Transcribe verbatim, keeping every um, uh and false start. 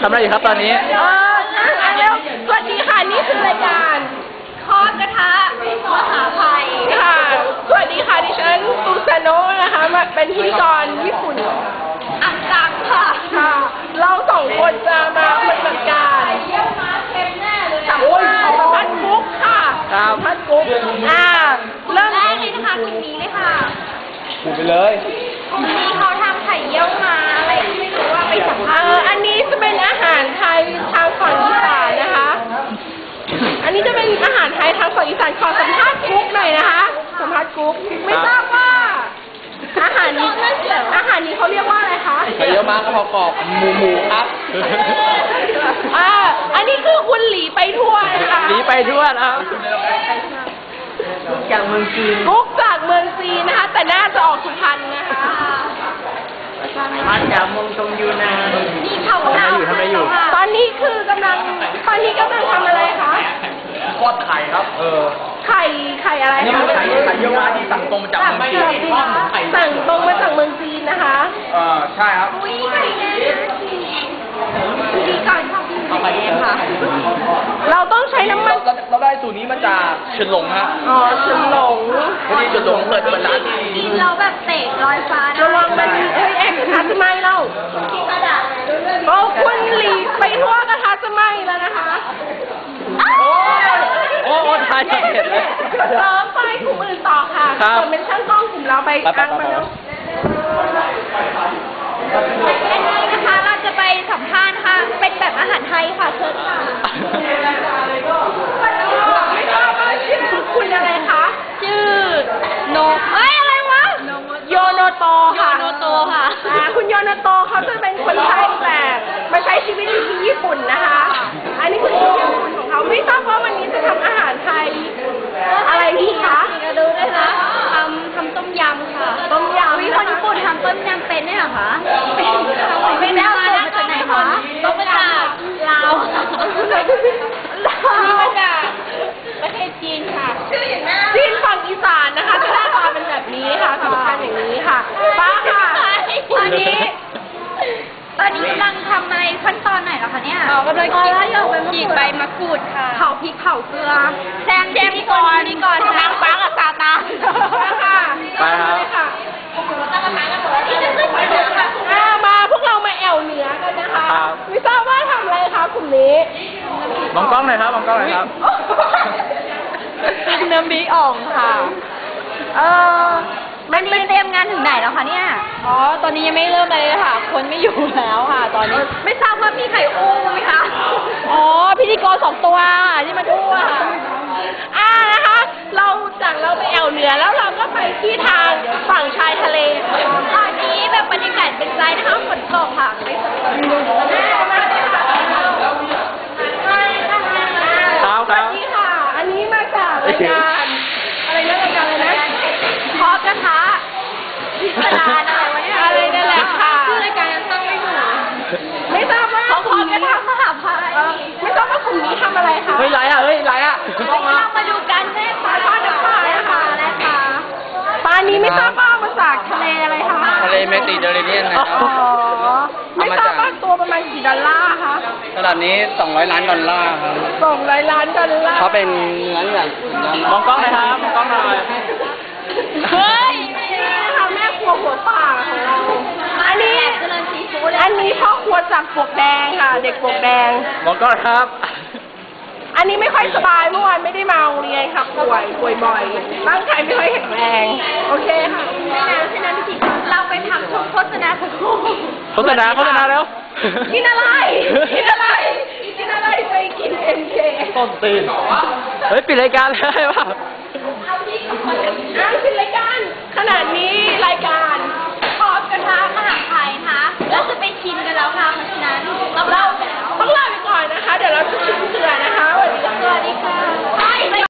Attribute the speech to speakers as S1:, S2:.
S1: ทำอะไรอยู่ครับตอนนี้
S2: เอออ่ะเร็วสวัสดีค่ะนี่คือรายการทอดกระทะมหาภัยค่ะสวัสดีค่ะดิฉันซูซานโนะนะคะมาเป็นพิธีกรญี่ปุ่นอันดังค่ะค่ะเราสองคนจะมาปฏิบัติการสัมภาษณ์กุ๊กค่ะสัมภาษณ์กุ๊กอ่าเริ่มแรกเลยนะคะกลุ่มนี้เลยค่ะ
S1: พูดไปเลย
S2: กลุ่มนี้เขาทำไข่เยี่ยวมาอะไรไม่รู้ว่าไปสัมภาษณ์เอออันนี้จะเป็นอาหารไทยทางฝั่งอีสานนะคะอันนี้จะเป็นอาหารไทยทางฝั่งอีสานขอสัมภาษณ์กุ๊กหน่อยนะคะสัมภาษณ์กุ๊กไม่ทราบว่าอาหารนี้อาหารนี้เขาเรียกว่าอะไรคะ
S1: ไข่เยี่ยวม้ากระเพาะกรอบหมูหมูครับ
S2: อ่าอันนี้คือคุณหลีไปทั่วนะคะ
S1: หลีไปทั่วนะครับจากเมืองจีน
S2: กุ๊กจากเมืองจีนนะคะแต่น่าจะออกสุพรรณนะคะ
S1: มาจากเมืองชงยูนาน
S2: นี่เขาทำ
S1: อยู่ทำอะไรอยู่
S2: ตอนนี้คือกำลังตอนนี้กำลังทำอะไรคะ
S1: ทอดไข่ครับเออ
S2: ไข่ไข่อะไร
S1: คะไข่ไข่เยี่ยวม้าที่สั่งตรงมาจากเมืองจีนทอดไข่
S2: สั่งตรงมาจากเมืองจีนนะคะ
S1: เออใช่ครับ
S2: อุ้ยไข่แน่ดีก่อนค่ะ
S1: เอาไปเองค่ะ
S2: เราต้องใช้น้ำมัน
S1: เราได้สูตรนี้มาจากเฉินหลงฮะ
S2: อ๋อเฉินหลง
S1: พอดีเฉินหลงเปิดเป็นร้าน
S2: กินเราแบบเตะลอยฟ้าระวังมันเฮ้ยแอกกระทะจะไหม้เล่าโอ้คุณหลีไปทั่วกระทะจะไหม้แล้วนะคะ
S1: โอ้โหทายจะเห็นเลย
S2: เติมไปกลุ่มอื่นต่อค่ะคนเป็นช่างกล้องกลุ่มเราไปอังมาแล้วอันนี้นะคะเราจะไปสัมภาษณ์ค่ะเป็นแบบอาหารไทยค่ะเชิญค่ะไม่ทราบว่าชื่อคุณอะไรคะชื่อโนเอ้ยอะไรวะโยโนโตค่ะโยโนโตค่ะคุณโยโนโตเขาจะเป็นคนไทยแต่มาใช้ชีวิตอยู่ที่ญี่ปุ่นนะคะอันนี้คือชีวิตญี่ปุ่นของเขาไม่ทราบว่าวันนี้จะทำอาหารไทยอะไรดีคะจะดูด้วยนะทำทำต้มยำค่ะต้มยำวิคนญี่ปุ่นทำต้มยำเป็นได้หรอคะไม่ได้มาจากไหนคะต้มมาจากลาวลาวมาจากประเทศจีนค่ะจีนฝั่งอีสานนะคะจะหน้าตาเป็นแบบนี้ค่ะสำคัญอย่างนี้ค่ะป้าค่ะตอนนี้ตอนนี้กำลังทำอะไรขั้นตอนไหนแล้วคะเนี่ย
S3: อ๋อกำลังฉีกใบมะกรูดค่ะ
S2: เผาพริกเผาเกลือแซง
S3: แซงก่อนนี่ก่อน
S2: นางฟ้ากับซาตานค่ะ
S1: ไปครับ
S2: มาพวกเรามาแอวเหนือกันนะคะไม่ทราบว่าทำอะไรคะกลุ่มนี้
S1: มองกล้องหน่อยครับมองกล้องหน่อยครับ
S2: น้ำพริกอ่องค่ะเออมันเป็นเตรียมงานถึงไหนแล้วคะเนี่ย
S3: อ๋อตอนนี้ยังไม่เริ่มอะไรเลยค่ะคนไม่อยู่แล้วค่ะตอนนี้
S2: ไม่ทราบว่ามีใครอู้ไหมคะ
S3: อ๋อพิธีกรสองตัวที่มาดูอ่ะ
S2: อ่านะคะเราจากเราไปแอวเหนือแล้วเราก็ไปที่ทางฝั่งชายทะเลตอนนี้แบบบรรยากาศเป็นใจนะคะฝนตกค่ะไม่สบายสวัสดีค่ะอันนี้มาจากรายการอะไรนะรายการอะไรนะทอดกระทะพิศดารอะไรวะเนี่ยอะไรนั่นแหละค่ะ
S3: ชื่อรายการตั้งไม่ถูก
S2: ไม่ทราบว่าเขาทอดกระทะมหาภัยไม่ทราบว่ากลุ่มนี้ทำอะไรคะ
S1: เฮ้ยไรอ่ะเฮ้ยไรอ่ะ
S2: เรามาดูกันแม่ปลาทอดน้ำปลาค่ะอะไรคะปลานี้ไม่ทราบว่ามาจากทะเลอะไรคะ
S1: ทะเลเมดิเตอร์เรเนียนนะครับ
S2: ไม่ทราบว่าตัวประมาณกี่ดอลลาร์คะ
S1: ระดับนี้สองร้อยล้านดอลลาร์ครับ
S2: สองร้อยล้านดอลลาร์
S1: เขาเป็นเนื้อแบบมองกล้องหน่อยครับมองกล้องหน่อย
S2: เฮ้ยทำแม่ครัวหัวป่าของเราอันนี้อันนี้พ่อครัวจากปลวกแดงค่ะเด็กปลวกแดง
S1: มองกล้องครับ
S2: อันนี้ไม่ค่อยสบายเมื่อวานไม่ได้มาโรงเรียนค่ะป่วยป่วยบ่อยร่างกายไม่ค่อยแข็งแรงโอเคค่ะไม่นานไม่นานพี่เราไปทำช่วงโฆษณาสักครู่
S1: โฆษณาโฆษณาแล้ว
S2: กินอะไรกินอะไรกินอะไรไปกินเอ็มเค
S1: ต้นตีนเฮ้ยปิดรายการเลยว่ะ
S2: อ้าวปิดรายการขนาดนี้